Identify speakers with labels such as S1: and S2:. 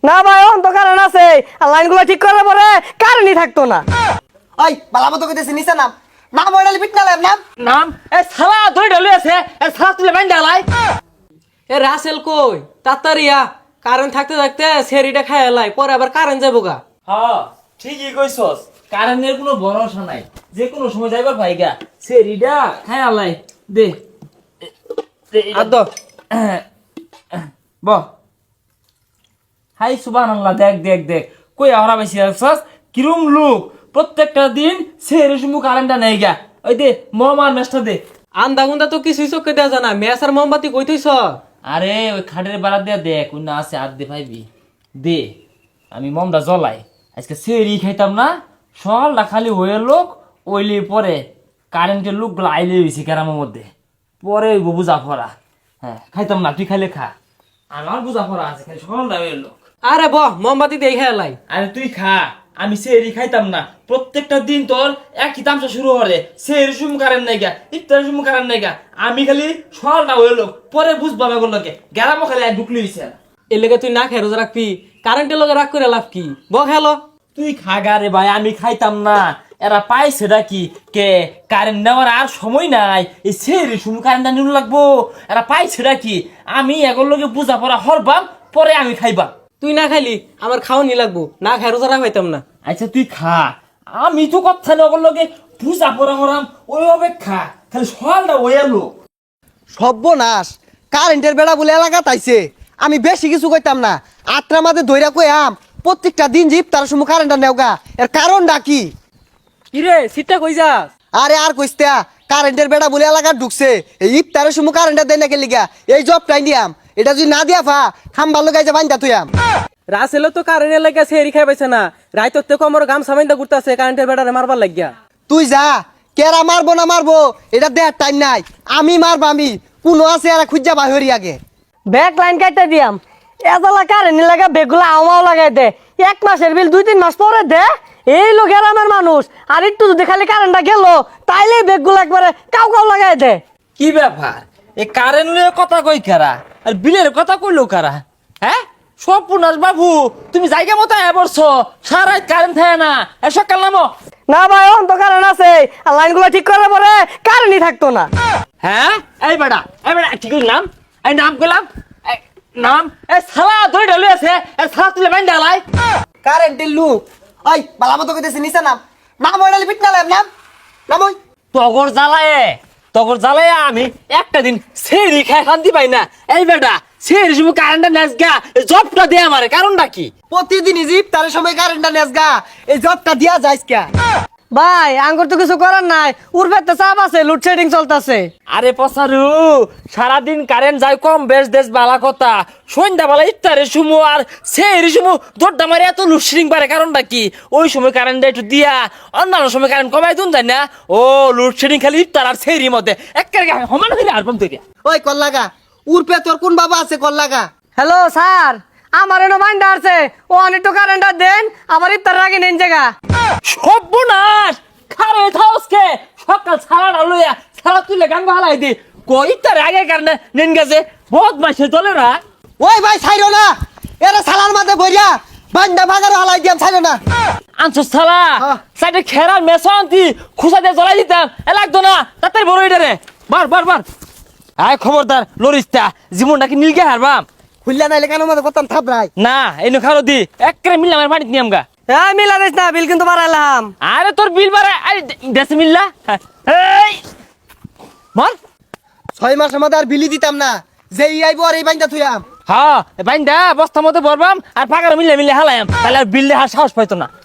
S1: না ভাই এখন তো কারেন্ট আছে আর লাইনগুলো ঠিক করার পরে কারেন্টই থাকতো না।
S2: ওই বালা মতো কইতেছি নিচে নাম নাম ওইডালি পিট না নাম
S3: নাম এ সালা ধরে ঢলে আছে এ সালা তুলে বাইন ডালাই এ রাসেল কই তাতারিয়া কারেন্ট থাকতে থাকতে সেরিটা খায় লাই পরে আবার কারেন্ট যাবো গা।
S4: হ্যাঁ ঠিকই কইছস, কারেন্টের কোনো ভরসা নাই, যে কোনো সময় যাইবার ভাইগা সেরিডা খাই আলাই দে
S3: আদ
S4: ব হাই সুবহানাল্লাহ। দেখ দেখ দেখ কই আমরা বেশি আসছস কিরম লোক প্রত্যেকটা দিন সেরি সময় কারেন্টটা নেই গা। ওই দে মমার মেসটা দে।
S3: আন্দা গুন্দা তো কিছুই চোখে দেওয়া জানা মেস আর মোমবাতি কই থইছ।
S4: আরে ওই খাটের বাড়া দিয়া দেখ কোন আছে আর দে ভাইবি দে। আমি মমটা জ্বলাই আজকে সেরি খাইতাম না, সকালটা খালি হয়ে লোক ওইলে পরে কারেন্টের লোকগুলো আইলে হয়েছে গ্রামের মধ্যে পরে বুঝা পড়া। হ্যাঁ খাইতাম না, তুই খাইলে খা, আমার বুঝা পড়া আছে খালি সকালটা হয়ে লোক।
S3: আরে বহ মোমবাতি দিয়ে খায় লাই।
S4: আরে তুই খা, আমি সেরি খাইতাম না। প্রত্যেকটা দিন তোর একই তামসা শুরু হরে, সেরি সুম কারেন্ট নাই গা, ইফতার সুম কারেন্ট নাই গা। আমি খালি সকালটা হয়ে লোক পরে বুঝবা না করলো গ্রামও খালি ঢুকলি হয়েছে।
S3: এর লেগে তুই না খাই রোজা রাখবি, কারেন্টের লগে রাগ করে লাভ কি? ব খেলো
S4: তুই খাগা রে ভাই, আমি খাইতাম না। এরা পাইছে কি কে কারেন্ট নেওয়ার আর সময় নাই, এই সেরি সুম কারেন্ট নিউ লাগবো। এরা পাইছে কি আমি এগুলোর লগে বুঝা পড়া হরবাম পরে আমি খাইবা।
S3: তুই না খাইলি আমার খাওয়ানি লাগবো, না খাই রোজা রাখাইতাম না।
S4: আচ্ছা তুই খা, আমি তো কথা না ওগুলোর লগে বুঝা পড়া হরাম ওইভাবে খা, খালি সকালটা ওই এলো।
S2: সর্বনাশ কারেন্টের বেড়া বলে এলাকা তাইছে। আমি বেশি কিছু কইতাম না, আত্রা মাঝে ধইরা কইয়াম প্রত্যেকটা দিন যে ইফতারের সময় কারেন্টটা নেওগা। এর কারণটা কি?
S3: কিরে সিটটা কই যাস?
S2: আরে আর কইস্তা কারেন্টের বেড়া বলে এলাকা ঢুকছে, এই ইফতারের সময় কারেন্টটা দেয় না কে লিগা এই জবটাই নিয়াম। এটা যদি না দিয়া ফা খাম্বার লগাই যা বাইন্দা তুইয়াম।
S3: রাসেলও তো কারেন্টের লাগে সেরি খাই পাইছে না, রাইতর থেকে আমার গাম সামাইন্দা ঘুরতেছে কারেন্টের বেড়ারে মারবার লাগিয়া।
S2: তুই যা, কেরা মারবো না মারবো এটা দেয়ার টাইম নাই। আমি মারবো, আমি কোনো আছে আর খুঁজা বাহিরি আগে
S1: ব্যাক লাইন কাটতে দিয়াম এজালা কারেন্ট লাগা বেগুলা আমাও লাগাই দে। 1 মাসের বিল 2-3 মাস পরে দে। এই লোক গ্রামের মানুষ আর একটু যদি খালি কারেন্টটা গেল তাইলে বেগুলো একবারে কাউ কাউ লাগাই দে।
S4: কি ব্যাপার, এই কারেন্টের কথা কই কারা আর বিলের কথা কইলো কারা? হ্যাঁ সর্বনাশ বাবু, তুমি জায়গা মতো বলছো সারা রাত কারেন্ট থাকে না, সকাল নামো।
S1: না ভাই এখন তো কারেন্ট আছে আর লাইনগুলো ঠিক করার পরে কারেন্টই থাকতো না।
S4: হ্যাঁ এই বেটা ঠিক নাম, এই নাম কইলাম নাম এ সালা ধরে ঢলে আছে, এ সালা তুলে বাইন ডালাই।
S2: কারেন্টের লুক। ওই বালা মতো কইতেছি নিচে নাম নাম ওইডালি পিট না নাম নাম ওই
S4: তগর জ্বালায় আমি একটা দিন সেরি খাই শান্তি পাই না। এই বেটা সেরি সময় কারেন্টটা নেস গা, জবটা দে আমারে, কারণটা কি?
S2: প্রতিদিনই যে ইফতারের সময় কারেন্টটা নেসগা এই জবটা দিয়া যাইস কে?
S1: ভাই আঙ্গুর তো কিছু করার নাই, উর্ফেতে চাপ আছে, লোডশেডিং চলতেছে।
S4: আরে পসারু সারাদিন কারেন্ট যায় কম বেশ দেশ বালা কথা, সন্ধ্যা বেলা ইফতারের সময় আর সেই সময় দরদা মারে এত লোডশেডিং পারে, কারণটা কি? ওই সময় কারেন্টটা একটু দিয়া অন্যান্য সময় কারেন্ট কমাই দুন তাই না। ও লোডশেডিং খালি ইফতার আর সেই মধ্যে একেবারে সমান হইলে আর বন্ধ করিয়া।
S2: ওই কল্লাগা উর্ফে তোর কোন বাবা আছে কল্লাগা?
S1: হ্যালো স্যার, আমার এনো মাইন্ডা আছে, ও অনেক তো কারেন্টটা দেন, আমার ইফতার আগে নেন জায়গা।
S4: সর্বনাশ খারে থাউসকে সকাল ছাড়া লইয়া ছাড়া তুলে গান হালাই দি কই তার আগে কারণে নেন গেছে বহুত মাসে চলে না।
S2: ওই ভাই ছাইরো না, এরা সালার মাঝে ভরিয়া বান্দা বাগারও হালাই দিয়াম, ছাইরো না।
S4: আনছো সালা সাইডে খেরার মেশান্তি খুসা দিয়ে জ্বলাই দিতাম, এ লাগতো না তাড়াতাড়ি বড় এটা রে বার আয় খবরদার লরিস্তা জীবনটা কি নীলকে হারবাম।
S2: খুললা নাইলে কেন মাঝে করতাম থাপড়াই
S4: না এনে খারো দি একেবারে মিললাম আর পানিতে নিয়াম গা।
S1: হ্যাঁ মিলা দিস না, বিল কিন্তু বাড়াইলাম।
S4: আরে তোর বিল বাড়া আরে দেশে মিললা এই মর
S2: 6 মাসের মধ্যে আর বিলি দিতাম না, যে আইবো আর এই বাইন্দা থুয়াম।
S4: হ্যাঁ বাইন্দা বস্তার মধ্যে ভরবাম আর ফাঁকার মিলে হালায়াম, তাহলে আর বিল দেওয়ার সাহস পাইতো না।